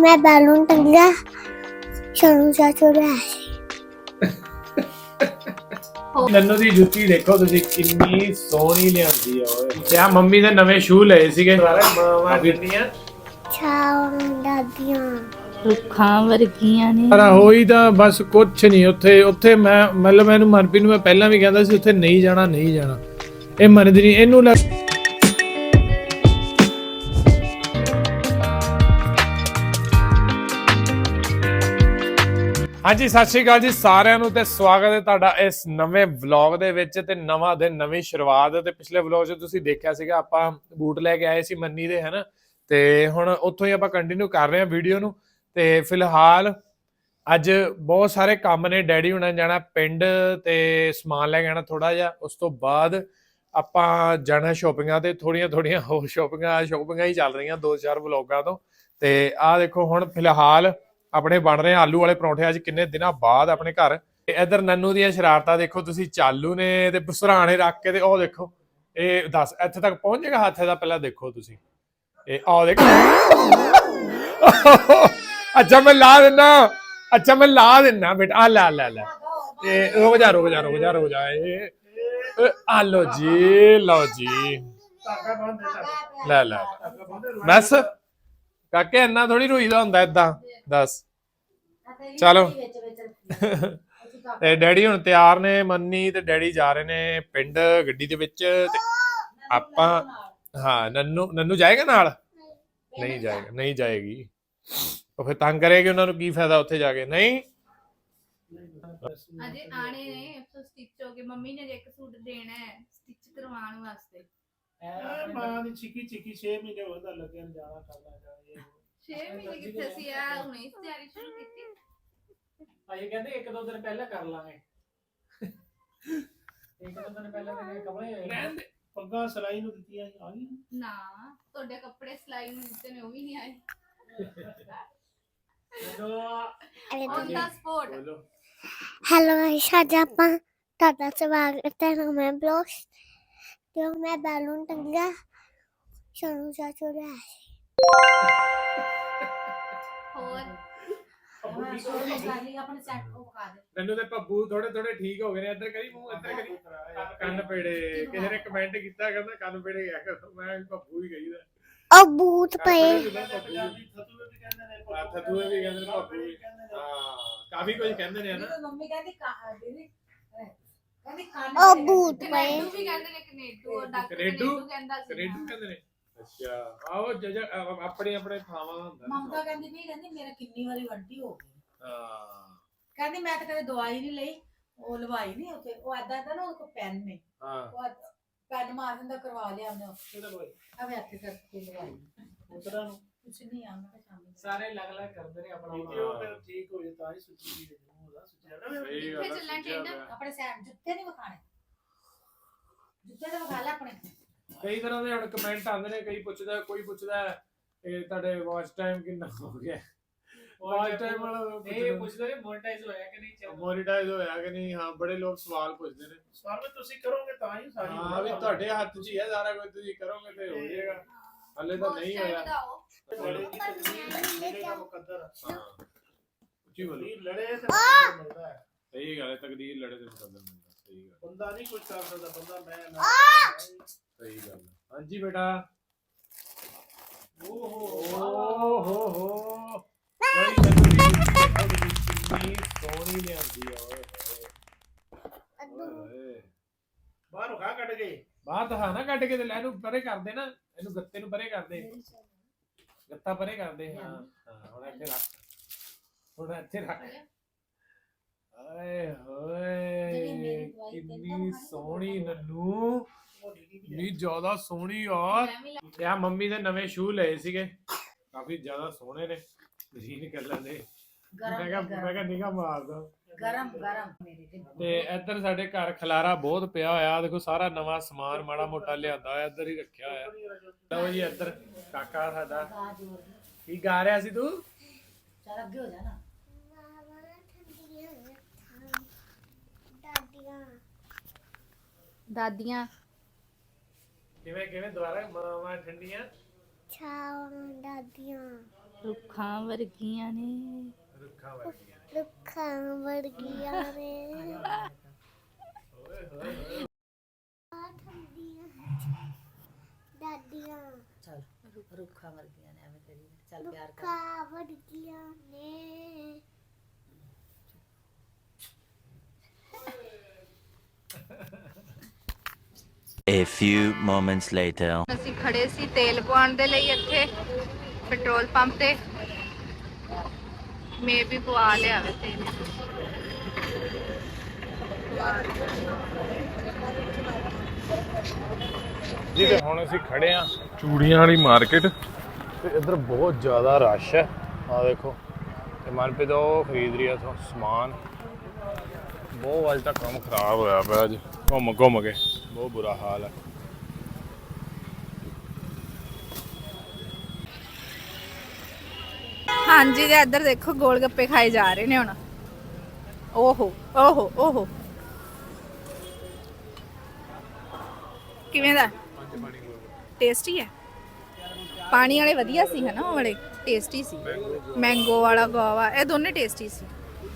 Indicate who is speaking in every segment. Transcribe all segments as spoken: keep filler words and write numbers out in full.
Speaker 1: मैं बैलून टंगा सोनू चाचू ले आए
Speaker 2: नन्नू दी जुत्ती देखो तुसी कितनी सोहनी लियांदी है ओए ते आ मम्मी दे नवे शू लए सीगे मामा दित्तियां
Speaker 1: छाव दादियां
Speaker 3: रुखां वर्गियां ने
Speaker 2: ਪਰ ਹੋਈ ਤਾਂ ਬਸ ਕੁਛ ਨਹੀਂ ਉੱਥੇ ਉੱਥੇ ਮੈਂ ਮਤਲਬ ਇਹਨੂੰ ਮਨਪ੍ਰੀਤ ਨੂੰ ਮੈਂ ਪਹਿਲਾਂ ਵੀ ਕਹਿੰਦਾ ਸੀ ਉੱਥੇ ਨਹੀਂ ਜਾਣਾ ਨਹੀਂ ਜਾਣਾ ਇਹ ਮੰਨਦੀ ਨਹੀਂ ਇਹਨੂੰ ਲੱਗ ਹਾਂਜੀ ਸਤਿ ਸ਼੍ਰੀ ਅਕਾਲ ਜੀ ਸਾਰਿਆਂ ਨੂੰ ਤੇ ਸਵਾਗਤ ਹੈ ਤੁਹਾਡਾ ਇਸ ਨਵੇਂ ਵਲੌਗ ਦੇ ਵਿੱਚ ਤੇ ਨਵਾਂ ਦਿਨ ਨਵੀਂ ਸ਼ੁਰੂਆਤ ਤੇ ਪਿਛਲੇ ਵਲੌਗ 'ਚ ਤੁਸੀਂ ਦੇਖਿਆ ਸੀਗਾ ਆਪਾਂ ਬੂਟ ਲੈ ਕੇ ਆਏ ਸੀ ਮੰਨੀ ਦੇ ਹਨਾ ਤੇ ਹੁਣ ਉੱਥੋਂ ਹੀ ਆਪਾਂ ਕੰਟੀਨਿਊ ਕਰ ਰਹੇ ਹਾਂ ਵੀਡੀਓ ਨੂੰ ਤੇ ਫਿਲਹਾਲ ਅੱਜ ਬਹੁਤ ਸਾਰੇ ਕੰਮ ਨੇ ਡੈਡੀ ਹੁਣਾਂ ਨੇ ਜਾਣਾ ਪਿੰਡ ਤੇ ਸਮਾਨ ਲੈ ਕੇ ਆਣਾ ਥੋੜਾ ਜਿਹਾ ਉਸ ਤੋਂ ਬਾਅਦ ਆਪਾਂ ਜਾਣਾ ਸ਼ੋਪਿੰਗਾਂ ਤੇ ਥੋੜੀਆਂ ਥੋੜੀਆਂ ਹੋਰ ਸ਼ੋਪਿੰਗਾਂ ਸ਼ੋਪਿੰਗਾਂ ਹੀ ਚੱਲ ਰਹੀਆਂ ਦੋ ਚਾਰ ਵਲੌਗਾਂ ਤੋਂ ਤੇ ਆਹ ਦੇਖੋ ਹੁਣ ਫਿਲਹਾਲ ਆਪਣੇ ਬਣ ਰਹੇ ਆਲੂ ਵਾਲੇ ਪਰੌਂਠੇ ਅੱਜ ਕਿੰਨੇ ਦਿਨਾਂ ਬਾਅਦ ਆਪਣੇ ਘਰ ਤੇ ਇਧਰ ਨੰਨੂ ਦੀਆਂ ਸ਼ਰਾਰਤਾਂ ਦੇਖੋ ਤੁਸੀਂ ਚਾਲੂ ਨੇ ਤੇ ਸਰਾਣੇ ਰੱਖ ਕੇ ਤੇ ਉਹ ਦੇਖੋ ਇਹ ਦੱਸ ਇੱਥੇ ਤੱਕ ਪਹੁੰਚ ਜਾਏਗਾ ਹੱਥ ਦਾ ਪਹਿਲਾਂ ਦੇਖੋ ਤੁਸੀਂ ਇਹ ਆਹ ਦੇਖੋ अच्छा मैं ला देना अच्छा मैं ला देना बेटा आ ला ला ला ये रुक जा रुक जा रुक जा रुक जा ये आ लो जी लो जी ला ला बस काके इन्ना थोड़ी रोईदा हुंदा इदां दस चलो ते डैडी हुण तैयार ने मन्नी ते डैडी जा रहे ने पिंड गड्डी दे विच ते आपां हां नन्नू नन्नू जाएगा नाल नहीं जाएगा नहीं जाएगी तो फिर तंग करेगी उन्होंने की फायदा उत्थे जाके नहीं
Speaker 3: अजे आने ने तो स्टिच हो के मम्मी ने एक सूट देना है स्टिच करवाने वास्ते
Speaker 4: ए मां दी चिकी चिकी छह महीने होदा लगन जाना करना चाहिए
Speaker 3: छह महीने किथे सी आ हुणे तैयारी शुरू कीती
Speaker 4: अजे कहंदे एक दो दिन पहले कर लांगे एक दो दिन पहले मेरे कपड़े रहन दे पग्गा सिलाई नु दित्तियां आ गई
Speaker 3: ना ਤੁਹਾਡੇ ਕੱਪੜੇ ਸਿਲਾਈ ਨੂੰ ਦਿੱਤੇ ਨੇ ਉਹ ਵੀ ਨਹੀਂ ਆਏ on the spot
Speaker 1: hello guys आज ਆਪਾਂ ਤੁਹਾਡਾ ਸਵਾਗਤ ਹੈ ਨਵੇਂ ਬਲੌਗ ਤੇ ਮੈਂ बैलून टंगा सोनू चाचू ले आए
Speaker 3: ਹੋਰ
Speaker 2: नन्नू दे पप्पू थोड़े थोड़े ठीक हो गए ने इधर करी मुंह इधर करी ਕੰਨ ਪੇੜੇ ਕਿਸੇ ਨੇ ਕਮੈਂਟ ਕੀਤਾ ਕਹਿੰਦਾ ਕੰਨ ਪੇੜੇ ਗਿਆ ਕਰ ਮੈਂ ਪੱਪੂ ਹੀ ਕਹੀਦਾ
Speaker 1: और बूट पे
Speaker 2: ਥੱਤੂਏ ਵੀ ਕਹਿੰਦੇ ਨੇ ਪੱਪੂ ਹਾਂ ਕਾਫੀ ਕੁਝ ਕਹਿੰਦੇ ਨੇ ਹਨਾ
Speaker 5: ਮੰਮੀ ਕਹਿੰਦੀ ਕਹਾ ਦੀਦੀ ਕਹਿੰਦੀ ਕੰਨ
Speaker 1: और बूट पे
Speaker 3: ਕਨੇਡੂ ਵੀ ਕਹਿੰਦੇ ਨੇ ਕਨੇਡੂ ਔਰ ਡਾਕਟਰ
Speaker 2: ਕਨੇਡੂ?
Speaker 3: ਕਨੇਡੂ ਕਹਿੰਦਾ ਸੀ
Speaker 2: ਕੈਨੇਡਾ ਕਹਿੰਦੇ ਨੇ ਅੱਛਾ ਆਓ ਜਜ ਆਪਣੇ ਆਪਣੇ ਥਾਵਾਂ ਹੁੰਦਾ
Speaker 5: ਮਮਤਾ ਕਹਿੰਦੀ ਵੀ ਕਹਿੰਦੀ ਮੇਰਾ ਕਿੰਨੀ ਵਾਰੀ ਵੱਡੀ ਹੋ ਗਈ
Speaker 2: ਹਾਂ
Speaker 5: ਕਹਿੰਦੀ ਮੈਂ ਤਾਂ ਕਦੇ ਦਵਾਈ ਨਹੀਂ ਲਈ ਉਹ ਲਵਾਈ ਨਹੀਂ ਉੱਥੇ ਉਹ ਐਦਾਂ ਐਦਾਂ ਨਾ ਉਹ ਕੋ ਪੈਨ ਨੇ
Speaker 2: ਹਾਂ
Speaker 5: ਉਹ ਪੈਨ ਮਾਰ ਦਿੰਦਾ ਕਰਵਾ ਲਿਆ ਉਹਨੇ
Speaker 4: ਕਿਹਦਾ ਕੋਈ
Speaker 5: ਅਵੇ ਹੱਥ ਕਰਕੇ ਲਵਾਈ
Speaker 4: ਉਤਰਾ ਨੂੰ
Speaker 5: ਕੁਛ ਨਹੀਂ ਆਉਂਦਾ ਸ਼ਾਮੀ
Speaker 4: ਸਾਰੇ ਅਲੱਗ ਅਲੱਗ ਕਰਦੇ ਨੇ ਆਪਣਾ ਉਹ ਫਿਰ ਠੀਕ ਹੋ ਜੇ ਤਾਂ ਹੀ ਸੁੱਚੀ ਦੀ ਉਹਦਾ ਸੁੱਚਿਆ ਨਾ
Speaker 2: ਸਹੀ
Speaker 3: ਕਿੱਥੇ
Speaker 2: ਗੱਲ
Speaker 3: ਚੱਲਣਾ ਟਿੰਡ
Speaker 5: ਆਪਣੇ ਸੈਂਡ ਜੁੱਤੇ ਨਹੀਂ ਵਿਖਾਣੇ ਜੁੱਤੇ ਤਾਂ ਵਿਖਾ ਲੈ ਆਪਣੇ
Speaker 2: ਕਈ ਤਰ੍ਹਾਂ ਦੇ ਹੁਣ ਕਮੈਂਟ ਆਉਂਦੇ ਨੇ ਕਈ ਪੁੱਛਦਾ ਕੋਈ ਪੁੱਛਦਾ ਕਿ ਤੁਹਾਡੇ ਵਾਚ ਟਾਈਮ ਕਿੰਨਾ ਹੋ ਗਿਆ ਵਾਚ ਟਾਈਮ ਵਾਲਾ
Speaker 4: ਇਹ ਪੁੱਛਦੇ ਨੇ ਮੋਨਟਾਈਜ਼ ਹੋਇਆ ਕਿ ਨਹੀਂ ਚੱਲ
Speaker 2: ਮੋਨੀਟਾਈਜ਼ ਹੋਇਆ ਕਿ ਨਹੀਂ ਹਾਂ ਬੜੇ ਲੋਕ ਸਵਾਲ ਪੁੱਛਦੇ ਨੇ
Speaker 4: ਸਵਾਲ ਵੀ ਤੁਸੀਂ ਕਰੋਗੇ ਤਾਂ ਹੀ ਸਾਰੀ
Speaker 2: ਹਾਂ ਵੀ ਤੁਹਾਡੇ ਹੱਥ 'ਚ ਹੀ ਹੈ ਸਾਰਾ ਕੁਝ ਤੁਸੀਂ ਕਰੋਗੇ ਤੇ ਹੋ ਜਾਏਗਾ ਹਲੇ ਤਾਂ ਨਹੀਂ ਹੋਇਆ
Speaker 4: ਬੜੇ ਦੀ ਤਕਦੀਰ ਦਾ ਮੁਕੱਦਰ
Speaker 2: ਹਾਂ ਉੱਚੀ ਬੋਲੀ
Speaker 4: ਤਕਦੀਰ ਲੜੇ ਤੇ ਮੁਕੱਦਰ ਮਿਲਦਾ ਹੈ
Speaker 2: ਸਹੀ ਗੱਲ ਹੈ ਤਕਦੀਰ ਲੜੇ ਤੇ ਮੁਕੱਦਰ ਮਿਲਦਾ ਸਹੀ ਗੱਲ
Speaker 4: ਬੰਦਾ ਨਹੀਂ ਕੁਝ ਕਰ ਸਕਦਾ ਬੰਦਾ ਮੈਂ ਨਾ
Speaker 2: ਸਹੀ ਗੱਲ ਹੈ ਹਾਂਜੀ ਬੇਟਾ
Speaker 4: ਓ ਹੋ
Speaker 2: ਓ ਹੋ ਹੋ ਨਹੀਂ ਕਿੰਨੀ ਸੋਹਣੀ ਲਿਆਂਦੀ ਆ ਓਏ ਹੋਏ
Speaker 4: ਬਾਹਰੋਂ ਖਾ ਕੱਢ ਗਏ
Speaker 2: ਬਾਹਰ ਤਾਂ ਨਾ ਕੱਢ ਕੇ ਤੇ ਲੈ ਇਹਨੂੰ ਪਰੇ ਕਰਦੇ ਨਾ ਇਹਨੂੰ ਗੱਤੇ ਨੂੰ ਪਰੇ ਕਰਦੇ ਗੱਤਾ ਪਰੇ ਕਰਦੇ ਹਾਂ ਹਾਂ ਹੁਣ ਇੱਥੇ ਰੱਖ ਹੁਣ ਇੱਥੇ ਰੱਖ ਆਏ ਹੋਏ ਕਿੰਨੀ ਸੋਹਣੀ ਨੰਨੂ ਇੰਨੀ ਜ਼ਿਆਦਾ ਸੋਹਣੀ ਯਾਰ ਤੇ ਆ ਮੰਮੀ ਦੇ ਨਵੇਂ ਸ਼ੂ ਲਏ ਸੀਗੇ ਕਾਫੀ ਜ਼ਿਆਦਾ ਸੋਹਣੇ ਨੇ ਗ੍ਰੀਨ ਕਲਰ ਦੇ ਮੈਂ ਕਿਹਾ ਮੈਂ ਕਿਹਾ ਨਿਗਾਹ ਮਾਰਦਾ
Speaker 5: ਗਰਮ ਗਰਮ ਮੇਰੇ ਤੇ
Speaker 2: ਤੇ ਇੱਧਰ ਸਾਡੇ ਘਰ ਖਲਾਰਾ ਬਹੁਤ ਪਿਆ ਹੋਇਆ ਦੇਖੋ ਸਾਰਾ ਨਵਾਂ ਸਮਾਨ ਮਾੜਾ ਮੋਟਾ ਲਿਆਂਦਾ ਹੋਇਆ ਇੱਧਰ ਹੀ ਰੱਖਿਆ ਹੋਇਆ ਲਓ ਜੀ ਇੱਧਰ ਕਾਕਾ ਸਾਡਾ ਕੀ ਗਾ ਰਿਹਾ ਸੀ ਤੂੰ
Speaker 5: ਚੱਲ ਅੱਗੇ ਹੋ ਜਾ ਨਾ
Speaker 1: दादियां
Speaker 3: ਦਾਦੀਆਂ
Speaker 2: ਕਿਵੇਂ ਕਿਵੇਂ ਦੁਬਾਰਾ ਮਾਵਾਂ ਠੰਡੀਆਂ
Speaker 1: छाव दादियां
Speaker 3: ਰੁੱਖਾਂ ਵਰਗੀਆਂ ਨੇ
Speaker 2: ਰੁੱਖਾਂ ਵਰਗੀਆਂ
Speaker 1: ਰੁੱਖਾਂ ਵਰਗੀਆਂ ਨੇ ਆ ਠੰਡੀਆਂ ਦਾਦੀਆਂ
Speaker 5: ਚੱਲ ਰੁੱਖਾਂ ਵਰਗੀਆਂ ਨੇ ਐਵੇਂ ਕਰੀ ਚੱਲ ਪਿਆਰ ਕਰ
Speaker 1: ਰੁੱਖਾਂ ਵਰਗੀਆਂ ਨੇ
Speaker 6: A few moments later.
Speaker 3: ਅਸੀਂ ਖੜੇ ਸੀ ਤੇਲ ਪਵਾਉਣ ਦੇ ਲਈ ਇੱਥੇ ਪੈਟਰੋਲ ਪੰਪ ਤੇ ਮੇ ਵੀ ਪਵਾ ਲਿਆਵੇ ਤੇਲ
Speaker 2: ਜੀ ਤੇ ਹੁਣ ਅਸੀਂ ਖੜੇ ਆ ਚੂੜੀਆਂ ਵਾਲੀ ਮਾਰਕੀਟ ਤੇ ਇੱਧਰ ਬਹੁਤ ਜ਼ਿਆਦਾ ਰਸ਼ ਹੈ ਆ ਦੇਖੋ ਤੇ ਮਨਪ੍ਰੀਤ ਉਹ ਖਰੀਦ ਰਹੀ ਆ ਇੱਥੋਂ ਸਮਾਨ ਬਹੁਤ ਅੱਜ ਤੱਕ ਕੰਮ ਖਰਾਬ ਹੋਇਆ ਪਿਆ ਅੱਜ ਘੁੰਮ ਘੁੰਮ ਕੇ ਬਹੁਤ ਬੁਰਾ ਹਾਲ ਹੈ
Speaker 3: ਹਾਂਜੀ ਤੇ ਇੱਧਰ ਦੇਖੋ ਗੋਲ ਗੱਪੇ ਖਾਏ ਜਾ ਰਹੇ ਨੇ ਹੁਣ ਓਹੋ ਓਹੋ ਓਹੋ ਕਿਵੇਂ ਦਾ ਟੇਸਟੀ ਹੈ ਪਾਣੀ ਵਾਲੇ ਵਧੀਆ ਸੀ ਹਨਾ ਉਹ ਵਾਲੇ ਟੇਸਟੀ ਸੀ ਮੈਂਗੋ ਵਾਲਾ ਗੋਵਾ ਇਹ ਦੋਨੇ ਟੇਸਟੀ ਸੀ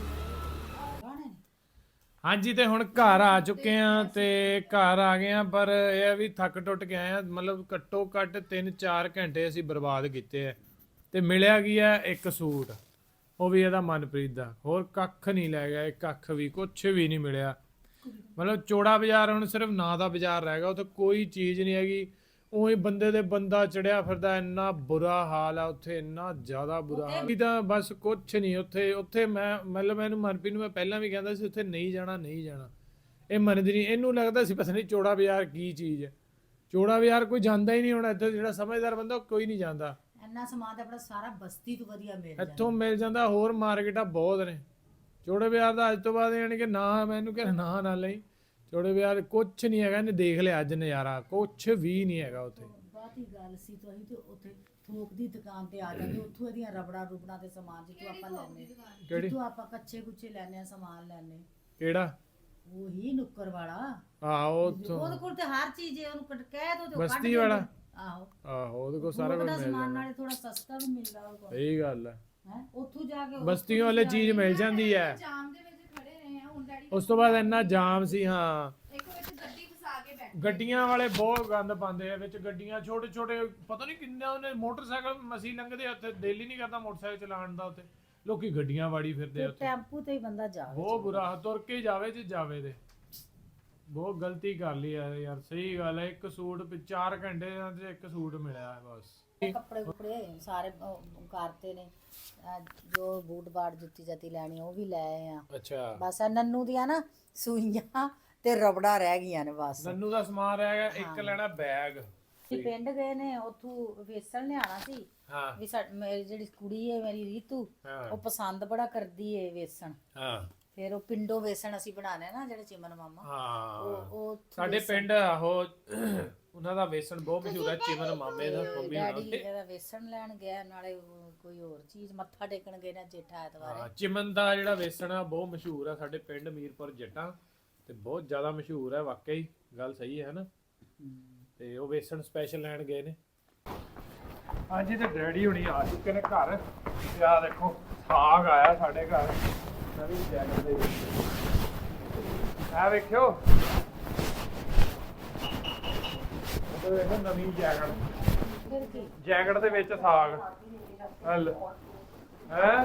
Speaker 2: ਹਾਂਜੀ ਤੇ ਹੁਣ ਘਰ ਆ ਚੁੱਕੇ ਆ ਤੇ ਘਰ ਆ ਗਏ ਆ ਪਰ ਇਹ ਆ ਵੀ ਥੱਕ ਟੁੱਟ ਕੇ ਆਏ ਆ ਮਤਲਬ ਘੱਟੋ ਘੱਟ ਤਿੰਨ ਚਾਰ ਘੰਟੇ ਅਸੀਂ ਬਰਬਾਦ ਕੀਤੇ ਆ ਤੇ ਮਿਲਿਆ ਕੀ ਆ ਇੱਕ ਸੂਟ ਉਹ ਵੀ ਇਹਦਾ ਮਨਪ੍ਰੀਤ ਦਾ ਹੋਰ ਕੱਖ ਨਹੀਂ ਲੈ ਗਿਆ ਇੱਕ ਕੱਖ ਵੀ ਕੁਛ ਵੀ ਨਹੀਂ ਮਿਲਿਆ ਮਤਲਬ ਚੋੜਾ ਬਾਜ਼ਾਰ ਹੁਣ ਸਿਰਫ ਨਾਂ ਦਾ ਬਾਜ਼ਾਰ ਰਹਿ ਗਿਆ ਉੱਥੇ ਕੋਈ ਚੀਜ਼ ਨਹੀਂ ਹੈਗੀ ਉਹੀ ਬੰਦੇ ਦੇ ਬੰਦਾ ਚੜਿਆ ਫਿਰਦਾ ਇੰਨਾ ਬੁਰਾ ਹਾਲ ਆ ਉੱਥੇ ਇੰਨਾ ਜ਼ਿਆਦਾ ਬੁਰਾ ਹਾਲ ਤਾਂ ਬਸ ਕੁਛ ਨਹੀਂ ਉੱਥੇ ਉੱਥੇ ਮੈਂ ਮਤਲਬ ਮੈਨੂੰ ਮਨਪ੍ਰੀਤ ਨੂੰ ਮੈਂ ਪਹਿਲਾਂ ਵੀ ਕਹਿੰਦਾ ਸੀ ਉੱਥੇ ਨਹੀਂ ਜਾਣਾ ਨਹੀਂ ਜਾਣਾ ਇਹ ਮੰਨਦੀ ਨਹੀਂ ਇਹਨੂੰ ਲੱਗਦਾ ਸੀ ਪਤਾ ਨਹੀਂ ਚੋੜਾ ਬਾਜ਼ਾਰ ਕੀ ਚੀਜ਼ ਹੈ ਚੋੜਾ ਬਾਜ਼ਾਰ ਕੋਈ ਜਾਂਦਾ ਹੀ ਨਹੀਂ ਹੁਣ ਇੱਥੇ ਜਿਹੜਾ ਸਮਝਦਾਰ ਬੰਦਾ ਕੋਈ ਨਹੀਂ ਜਾਂਦਾ
Speaker 5: ਇੰਨਾ ਸਮਾਨ ਤਾਂ ਆਪਣਾ ਸਾਰਾ ਬਸਤੀ ਤੋਂ ਵਧੀਆ ਮਿਲ ਜਾਂਦਾ
Speaker 2: ਇੱਥੋਂ ਮਿਲ ਜਾਂਦਾ ਹੋਰ ਮਾਰਕੀਟਾਂ ਬਹੁਤ ਨੇ ਚੋੜੇ ਬਾਜ਼ਾਰ ਦਾ ਅੱਜ ਤੋਂ ਬਾਅਦ ਯਾਨੀ ਕਿ ਨਾ ਮੈਨੂੰ ਕਹਿੰਦਾ ਨਾ ਨਾ ਲਈ ਚੋੜੇ ਬਾਜ਼ਾਰ ਕੁਛ ਨਹੀਂ ਹੈਗਾ ਇਹਨੇ ਦੇਖ ਲਿਆ ਅੱਜ ਨਜ਼ਾਰਾ ਕੁਛ ਵੀ ਨਹੀਂ ਹੈਗਾ ਉੱਥੇ
Speaker 5: ਬਾਤ ਹੀ ਗੱਲ ਸੀ ਤੋਂ ਅਸੀਂ ਤੇ ਉੱਥੇ ਥੋਕ ਦੀ ਦੁਕਾਨ ਤੇ ਆ ਜਾਂਦੇ ਉੱਥੋਂ ਇਹਦੀਆਂ ਰਬੜਾ ਰੁਬੜਾ ਦੇ ਸਮਾਨ ਜਿੱਥੋਂ ਆਪਾਂ ਲੈਣੇ
Speaker 2: ਕਿਹੜੀ
Speaker 5: ਜਿੱਥੋਂ ਆਪਾਂ ਕੱਚੇ ਕੁੱਚੇ ਲੈਣੇ ਆ ਸਮਾਨ ਲੈਣੇ
Speaker 2: ਕਿਹੜਾ
Speaker 5: ਉਹੀ ਨੁੱਕਰ ਵਾਲਾ
Speaker 2: ਆਹੋ ਉੱਥੋਂ
Speaker 5: ਉਹਦੇ ਕੋਲ ਤੇ ਹਰ ਚੀਜ਼ ਹੈ ਉਹਨੂੰ ਕੱਟ ਕਹਿ ਦੋ ਤੇ ਉਹ ਕੱਢ
Speaker 2: ਬਸਤੀ ਵਾਲਾ
Speaker 5: ਦਿੰਦੇ। ਆਹੋ
Speaker 2: ਆਹੋ ਉਹਦੇ ਕੋਲ ਸਾਰਾ
Speaker 5: ਥੋਕ
Speaker 2: ਕੁਝ
Speaker 5: ਦਾ
Speaker 2: ਮਿਲ
Speaker 5: ਸਮਾਨ
Speaker 2: ਜਾਂਦਾ
Speaker 5: ਨਾਲੇ ਥੋੜਾ ਸਸਤਾ ਵੀ ਮਿਲਦਾ ਉਹ ਕੋਲ
Speaker 2: ਸਹੀ ਗੱਲ ਹੈ
Speaker 5: ਹੈ ਉੱਥੋਂ ਜਾ ਕੇ
Speaker 2: ਬਸਤੀਆਂ ਵਾਲੇ ਚੀਜ਼ ਮਿਲ ਜਾਂਦੀ ਹੈ
Speaker 3: ਜਾਮ ਦੇ ਵਿੱਚ ਖੜੇ ਰਹੇ ਆ ਹੁਣ ਡੈਡੀ
Speaker 2: ਉਸ ਤੋਂ ਬਾਅਦ ਇੰਨਾ ਜਾਮ ਸੀ ਹਾਂ
Speaker 3: ਇੱਕ ਵਿੱਚ ਗੱਡੀ ਫਸਾ ਕੇ ਬੈਠੇ
Speaker 2: ਗੱਡੀਆਂ ਵਾਲੇ ਬਹੁਤ ਗੰਦ ਪਾਉਂਦੇ ਆ ਵਿੱਚ ਗੱਡੀਆਂ ਛੋਟੇ ਛੋਟੇ ਪਤਾ ਨਹੀਂ ਕਿੰਨੇ ਉਹਨੇ ਮੋਟਰਸਾਈਕਲ ਮਸੀ ਲੰਘਦੇ ਆ ਉੱਥੇ ਦਿਲ ਹੀ ਨਹੀਂ ਕਰਦਾ ਮੋਟਰਸਾਈਕਲ ਚਲਾਉਣ ਦਾ ਉੱਥੇ ਲੋਕੀ ਗੱਡੀਆਂ ਵਾੜੀ ਫਿਰਦੇ ਆ ਉੱਥੇ
Speaker 5: ਟੈਂਪੂ ਤੇ ਹੀ ਬੰਦਾ ਜਾਵੇ
Speaker 2: ਬਹੁਤ ਬੁਰਾ ਤੁਰ ਕੇ ਜਾਵੇ ਜੇ ਜਾਵੇ ਤੇ ਬਹੁਤ ਗਲਤੀ ਕਰ ਲਈ ਯਾਰ ਯਾਰ ਸਹੀ ਗੱਲ ਹੈ ਇੱਕ ਸੂਟ ਪਿ- ਚਾਰ ਘੰਟੇ ਦੇ ਇੱਕ ਸੂਟ ਮਿਲਿਆ ਹੈ ਬਸ
Speaker 5: ਕੱਪੜੇ ਕੁਪੜੇ ਸਾਰੇ ਉਹ ਕਰਤੇ ਨੇ ਅਹ ਜੋ ਬੂਟ ਬਾੜ ਜੁੱਤੀ ਜਾਤੀ ਲੈਣੀ ਉਹ ਵੀ ਲੈ ਆਏ ਆ
Speaker 2: ਅੱਛਾ
Speaker 5: ਬਸ ਆਹ ਨੰਨੂ ਦੀਆਂ ਨਾ ਸੂਈਆਂ ਤੇ ਰਬੜਾ ਰਹਿ ਗਈਆਂ ਨੇ ਬਸ
Speaker 2: ਨੰਨੂ ਦਾ ਸਮਾਨ ਰਹਿ ਗਿਆ ਇੱਕ ਲੈਣਾ ਬੈਗ
Speaker 5: ਅਸੀਂ ਪਿੰਡ ਗਏ ਨੇ ਉੱਥੋਂ ਵੇਸਣ ਲਿਆਣਾ ਸੀ
Speaker 2: ਹਾਂ
Speaker 5: ਵੀ ਸਾ- ਮੇਰੀ ਜਿਹੜੀ ਕੁੜੀ ਹੈ ਮੇਰੀ ਰੀਤੂ
Speaker 2: ਹਾਂ
Speaker 5: ਉਹ ਪਸੰਦ ਬੜਾ ਕਰਦੀ ਏ ਵੇਸਣ
Speaker 2: ਹਾਂ
Speaker 5: ਫਿਰ ਉਹ ਪਿੰਡੋਂ ਵੇਸਣ ਅਸੀਂ ਬਣਾਣੇ ਨਾ ਜਿਹੜੇ ਚਿਮਨ ਮਾਮਾ
Speaker 2: ਹਾਂ
Speaker 5: ਉਹ ਉਹ ਉੱਥੋਂ
Speaker 2: ਸਾਡੇ
Speaker 5: ਵੇਸਣ-
Speaker 2: ਪਿੰਡ ਆਹੋ ਉਹਨਾਂ ਦਾ ਵੇਸਣ ਬਹੁਤ ਮਸ਼ਹੂਰ ਹੈ ਚਿਮਨ ਮਾਮੇ ਦਾ ਮੰਮੀ
Speaker 5: ਡੈਡੀ
Speaker 2: ਨਾਲ
Speaker 5: ਇਹਦਾ ਵੇਸਣ ਲੈਣ ਗਿਆ ਨਾਲੇ ਉਹ ਕੋਈ ਹੋਰ ਚੀਜ਼ ਮੱਥਾ ਟੇਕਣ ਗਏ ਨਾ ਜੇਠਾ ਐਤਵਾਰ
Speaker 2: ਹਾਂ ਚਿਮਨ ਦਾ ਜਿਹੜਾ ਵੇਸਣ ਆ ਬਹੁਤ ਮਸ਼ਹੂਰ ਆ ਸਾਡੇ ਪਿੰਡ ਮੀਰਪੁਰ ਜੱਟਾਂ ਤੇ ਬਹੁਤ ਜ਼ਿਆਦਾ ਮਸ਼ਹੂਰ ਹੈ ਵਾਕਈ ਗੱਲ ਸਹੀ ਹੈ ਨਾ ਤੇ ਉਹ ਵੇਸਣ ਸਪੈਸ਼ਲ ਲੈਣ ਗਏ ਨੇ ਹਾਂਜੀ ਤੇ ਡੈਡੀ ਹੁਣੀ ਆ ਚੁੱਕੇ ਨੇ ਘਰ ਤੇ ਆ ਦੇਖੋ ਸਾਗ ਆਇਆ ਸਾਡੇ ਘਰ ਨਵੀਂ ਜੈਕਟ ਦੇ ਵਿੱਚ ਆ ਵੇਖਿਓ ਉਹ ਦੇਖੋ ਨਵੀਂ ਜੈਕਟ
Speaker 5: ਫਿਰ ਕੀ
Speaker 2: ਜੈਕਟ ਦੇ ਵਿੱਚ ਸਾਗ ਹਲ ਹੈ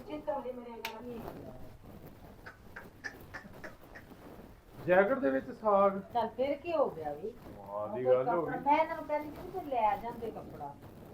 Speaker 2: ਜੈਕਟ ਦੇ ਵਿੱਚ ਸਾਗ
Speaker 5: ਚੱਲ ਫਿਰ ਕੀ ਹੋ ਗਿਆ ਵੀ
Speaker 2: ਵਾਹ ਦੀ ਗੱਲ ਹੋ ਗਈ
Speaker 5: ਮੈਂ ਇਹਨਾਂ ਨੂੰ ਕਹਿੰਦੀ ਸੀ ਕਿ ਲੈ ਜਾਂਦੇ ਕੱਪੜਾ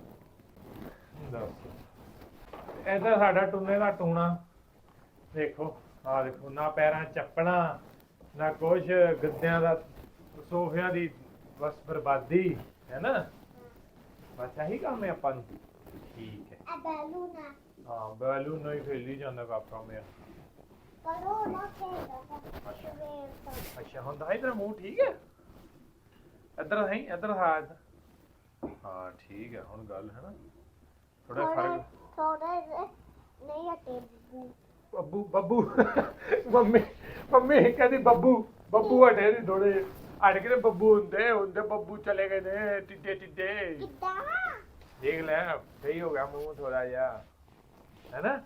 Speaker 2: ਦੱਸ ਇਹਦਾ ਸਾਡਾ ਟੁੰਨੇ ਦਾ ਟੂਣਾ ਦੇਖੋ ਆ ਦੇਖੋ ਨਾ ਪੈਰਾਂ 'ਚ ਚੱਪਣਾ ਨਾ ਕੁਛ ਗੱਦਿਆਂ ਦਾ ਸੋਫਿਆਂ ਦੀ ਬਸ ਬਰਬਾਦੀ ਹੈ ਨਾ ਬਸ ਇਹੀ ਕੰਮ ਹੈ ਆਪਾਂ ਨੂੰ ਠੀਕ ਹੈ
Speaker 1: ਆ ਬੈਲੂਨਾ
Speaker 2: ਹਾਂ ਬੈਲੂਨ ਨਹੀਂ ਖੇਲੀ ਜਾਂਦਾ ਕਾਕਾ ਮੇਰਾ
Speaker 1: ਪਰ ਉਹ ਨਾ ਖੇਡਦਾ ਸਵੇਰ ਤੋਂ
Speaker 2: ਅੱਛਾ ਹੁਣ ਤਾਂ ਇਧਰ ਮੂੰਹ ਠੀਕ ਹੈ ਇੱਧਰ ਹੈ ਇੱਧਰ ਹਾਂ ਇੱਧਰ। ਹਾਂ ਠੀਕ ਹੈ ਹੁਣ ਗੱਲ ਹੈ ਨਾ ਥੋੜਾ ਫਰਕ
Speaker 1: ਥੋੜਾ ਨਹੀਂ ਹਟੇ
Speaker 2: ਬੱਬੂ ਬੱਬੂ ਮੰਮੀ ਮੰਮੀ ਕਹਿੰਦੀ ਬੱਬੂ ਬੱਬੂ ਹਟੇ ਨਹੀਂ ਥੋੜੇ ਅੜ ਕੇ ਬੱਬੂ ਹੁੰਦੇ ਹੁੰਦੇ ਬੱਬੂ ਚਲੇ ਗਏ ਨੇ ਟਿੱਡੇ ਟਿੱਡੇ
Speaker 1: ਕਿੱਦਾਂ
Speaker 2: ਦੇਖ ਲੈ ਸਹੀ ਹੋ ਗਿਆ ਮੂੰਹ ਥੋੜਾ ਜਿਹਾ ਹੈਨਾ।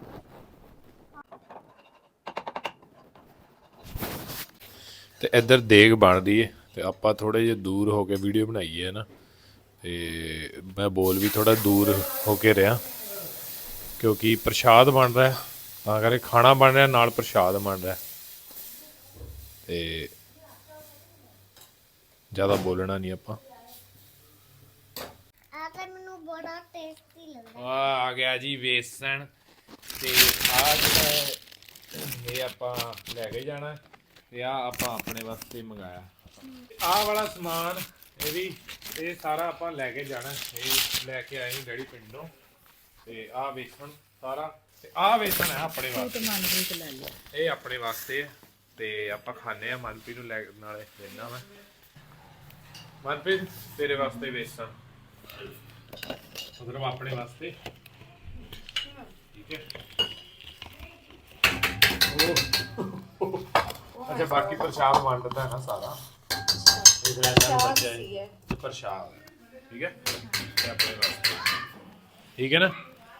Speaker 2: ਤੇ ਇੱਧਰ ਦੇਗ ਬਣਦੀ ਏ ਤੇ ਆਪਾਂ ਥੋੜੇ ਜਿਹਾ ਦੂਰ ਹੋ ਕੇ ਵੀਡੀਓ ਬਣਾਈ ਹੈ ਨਾ, ਤੇ ਮੈਂ ਬੋਲ ਵੀ ਥੋੜਾ ਦੂਰ ਹੋ ਕੇ ਰਿਹਾ ਕਿਉਂਕਿ ਪ੍ਰਸ਼ਾਦ ਬਣ ਰਿਹਾ, ਤਾਂ ਕਰਕੇ ਖਾਣਾ ਬਣ ਰਿਹਾ ਨਾਲ ਪ੍ਰਸ਼ਾਦ ਬਣ ਰਿਹਾ, ਤੇ ਜ਼ਿਆਦਾ ਬੋਲਣਾ ਨਹੀਂ ਆਪਾਂ।
Speaker 1: ਆ ਤਾਂ ਮੈਨੂੰ ਬੜਾ ਟੇਸਟੀ ਲੱਗਦਾ।
Speaker 2: ਆ ਆ ਗਿਆ ਜੀ ਵੇਸਣ, ਤੇ ਆ ਜਿਹੜਾ ਇਹ ਆਪਾਂ ਲੈ ਕੇ ਜਾਣਾ, ਤੇ ਆ ਆਪਾਂ ਆਪਣੇ ਵਾਸਤੇ ਮੰਗਾਇਆ। ਆਹ ਵਾਲਾ ਸਮਾਨ ਇਹ ਵੀ ਇਹ ਸਾਰਾ ਆਪਾਂ ਲੈ ਕੇ ਜਾਣਾ, ਇਹ ਲੈ ਕੇ ਆਏ ਡੈਡੀ ਪਿੰਡੋਂ। ਤੇ ਆਹ ਵੇਸਣ ਸਾਰਾ, ਤੇ ਆਹ ਵੇਸਣ ਹੈ ਆਪਣੇ ਵਾਸਤੇ,
Speaker 5: ਮਨਪ੍ਰੀਤ ਲੈ ਲਿਆ।
Speaker 2: ਇਹ ਆਪਣੇ ਵਾਸਤੇ ਹੈ, ਤੇ ਆਪਾਂ ਖਾਣੇ ਆ। ਮਨਪ੍ਰੀਤ ਨੂੰ ਲੈ ਨਾਲੇ ਦੇਣਾ ਮੈਂ। ਮਨਪ੍ਰੀਤ ਤੇਰੇ ਵਾਸਤੇ ਵੇਸਣ, ਮਤਲਬ ਆਪਣੇ ਵਾਸਤੇ, ਠੀਕ ਹੈ। ਉਹ ਅੱਛਾ ਬਾਕੀ ਪ੍ਰਸ਼ਾਦ ਵੰਡਦਾ ਹੈ ਨਾ ਸਾਰਾ, ਇਸ ਲਈ ਇਹਨਾਂ ਨੂੰ ਬੱਚਾ ਹੈ ਪ੍ਰਸ਼ਾਦ, ਠੀਕ ਹੈ, ਤੇ ਆਪਣੇ ਵਾਸਤੇ, ਠੀਕ ਹੈ ਨਾ।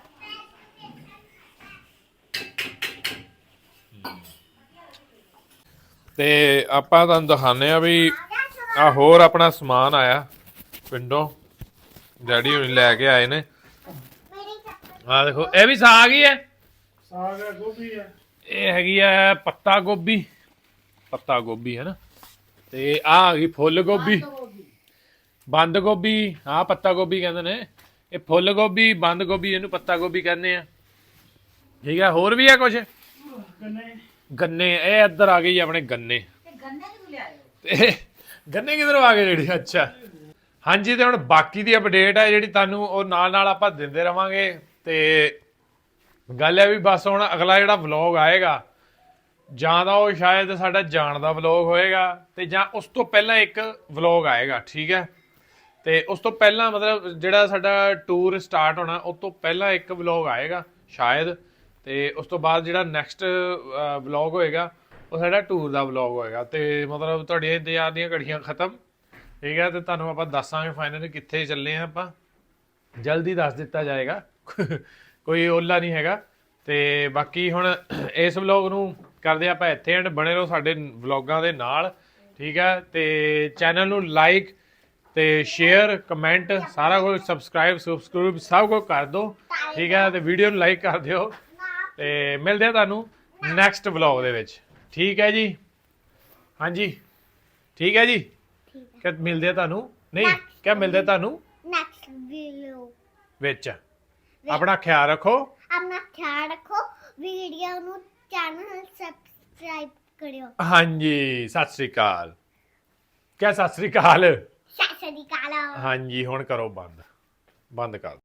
Speaker 2: ਤੇ ਆਪਾਂ ਤੁਹਾਨੂੰ ਦਿਖਾਉਂਦੇ ਆ ਵੀ ਆ ਹੋਰ ਆਪਣਾ ਸਮਾਨ ਆਇਆ ਪਿੰਡੋਂ, ਡੈਡੀ ਹੁਣੀ ਲੈ ਕੇ ਆਏ ਨੇ। ਆ ਦੇਖੋ ਇਹ ਵੀ ਸਾਗ ਹੀ ਹੈ,
Speaker 4: ਸਾਗ ਹੈ, ਗੋਭੀ ਹੈ,
Speaker 2: ਇਹ ਹੈਗੀ ਆ ਪੱਤਾ ਗੋਭੀ, ਪੱਤਾ ਗੋਭੀ ਹੈ ਨਾ, ਤੇ ਆ ਆ ਗਈ ਫੁੱਲ ਗੋਭੀ, ਬੰਦ ਗੋਭੀ, ਆ ਪੱਤਾ ਗੋਭੀ ਕਹਿੰਦੇ ਨੇ, ਇਹ ਫੁੱਲ ਗੋਭੀ, ਬੰਦ ਗੋਭੀ, ਇਹਨੂੰ ਪੱਤਾ ਗੋਭੀ ਕਹਿੰਦੇ ਆ, ਠੀਕ ਹੈ। ਹੋਰ ਵੀ ਹੈ ਕੁਛ
Speaker 4: ਗੰਨੇ,
Speaker 2: ਗੰਨੇ, ਇਹ ਇੱਧਰ ਆ ਗਏ ਜੀ ਆਪਣੇ ਗੰਨੇ, ਤੇ ਗੰਨੇ ਕਿਧਰੋਂ ਆ ਗਏ ਜਿਹੜੀ, ਅੱਛਾ ਹਾਂਜੀ। ਤੇ ਹੁਣ ਬਾਕੀ ਦੀ ਅਪਡੇਟ ਹੈ ਜਿਹੜੀ ਤੁਹਾਨੂੰ ਉਹ ਨਾਲ ਨਾਲ ਆਪਾਂ ਦਿੰਦੇ ਰਵਾਂਗੇ। ਤੇ ਗੱਲ ਹੈ ਵੀ ਬਸ ਹੁਣ ਅਗਲਾ ਜਿਹੜਾ ਵਲੌਗ ਆਏਗਾ ਜਾਂ ਤਾਂ ਉਹ ਸ਼ਾਇਦ ਸਾਡਾ ਜਾਣ ਦਾ ਵਲੌਗ ਹੋਏਗਾ, ਤੇ ਜਾਂ ਉਸ ਤੋਂ ਪਹਿਲਾਂ ਇੱਕ ਵਲੌਗ ਆਏਗਾ, ਠੀਕ ਹੈ। ਤੇ ਉਸ ਤੋਂ ਪਹਿਲਾਂ ਮਤਲਬ ਜਿਹੜਾ ਸਾਡਾ ਟੂਰ ਸਟਾਰਟ ਹੋਣਾ ਉਸ ਤੋਂ ਪਹਿਲਾਂ ਇੱਕ ਵਲੌਗ ਆਏਗਾ ਸ਼ਾਇਦ, ਤੇ ਉਸ ਤੋਂ ਬਾਅਦ ਜਿਹੜਾ ਨੈਕਸਟ ਵਲੌਗ ਹੋਏਗਾ ਉਹ ਸਾਡਾ ਟੂਰ ਦਾ ਵਲੌਗ ਹੋਏਗਾ। ਤੇ ਮਤਲਬ ਤੁਹਾਡੀਆਂ ਇੰਤਜ਼ਾਰ ਦੀਆਂ ਘੜੀਆਂ ਖਤਮ, ਠੀਕ ਹੈ। ਤੇ ਤੁਹਾਨੂੰ ਆਪਾਂ ਦੱਸਾਂਗੇ ਫਾਈਨਲੀ ਕਿੱਥੇ ਚੱਲੇ ਆ, ਆਪਾਂ ਜਲਦੀ ਦੱਸ ਦਿੱਤਾ ਜਾਏਗਾ, ਕੋਈ ਓਲਾ ਨਹੀਂ ਹੈਗਾ। ਤੇ ਬਾਕੀ ਹੁਣ ਇਸ ਵਲੌਗ ਨੂੰ ਕਰਦੇ ਆਪਾਂ ਇੱਥੇ ਐਂਡ, ਬਣੇ ਰਹੋ ਸਾਡੇ ਵਲੌਗਾਂ ਦੇ ਨਾਲ, ਠੀਕ ਹੈ। ਤੇ ਚੈਨਲ ਨੂੰ ਲਾਈਕ ਤੇ ਸ਼ੇਅਰ ਕਮੈਂਟ ਸਾਰਾ ਕੁਝ, ਸਬਸਕ੍ਰਾਈਬ ਸਬਸਕ੍ਰਾਈਬ ਸਭ ਕੁਝ ਕਰ ਦਿਓ, ਠੀਕ ਹੈ। ਤੇ ਵੀਡੀਓ ਨੂੰ ਲਾਈਕ ਕਰ ਦਿਓ, ਤੇ ਮਿਲਦੇ ਆ ਤੁਹਾਨੂੰ ਨੈਕਸਟ ਵਲੌਗ ਦੇ ਵਿੱਚ, ਠੀਕ ਹੈ ਜੀ। ਹਾਂਜੀ ਠੀਕ ਹੈ ਜੀ, ਕਿ ਮਿਲਦੇ ਆ ਤੁਹਾਨੂੰ, ਨਹੀਂ ਕਿਆ ਮਿਲਦੇ ਤੁਹਾਨੂੰ
Speaker 1: ਨੈਕਸਟ ਵੀਡੀਓ
Speaker 2: ਵਿੱਚ। ਆਪਣਾ ਖਿਆਲ ਰੱਖੋ,
Speaker 1: ਆਪਣਾ ਖਿਆਲ ਰੱਖੋ, ਵੀਡੀਓ ਨੂੰ ਚੈਨਲ ਸਬਸਕ੍ਰਾਈਬ ਕਰਿਓ।
Speaker 2: ਹਾਂਜੀ ਸਤਿ ਸ੍ਰੀ ਅਕਾਲ, ਕਿਆ ਸਤਿ ਸ੍ਰੀ ਅਕਾਲ,
Speaker 1: ਸਤਿ ਸ਼੍ਰੀ ਅਕਾਲ।
Speaker 2: ਹਾਂਜੀ ਹੁਣ ਕਰੋ ਬੰਦ, ਬੰਦ ਕਰ।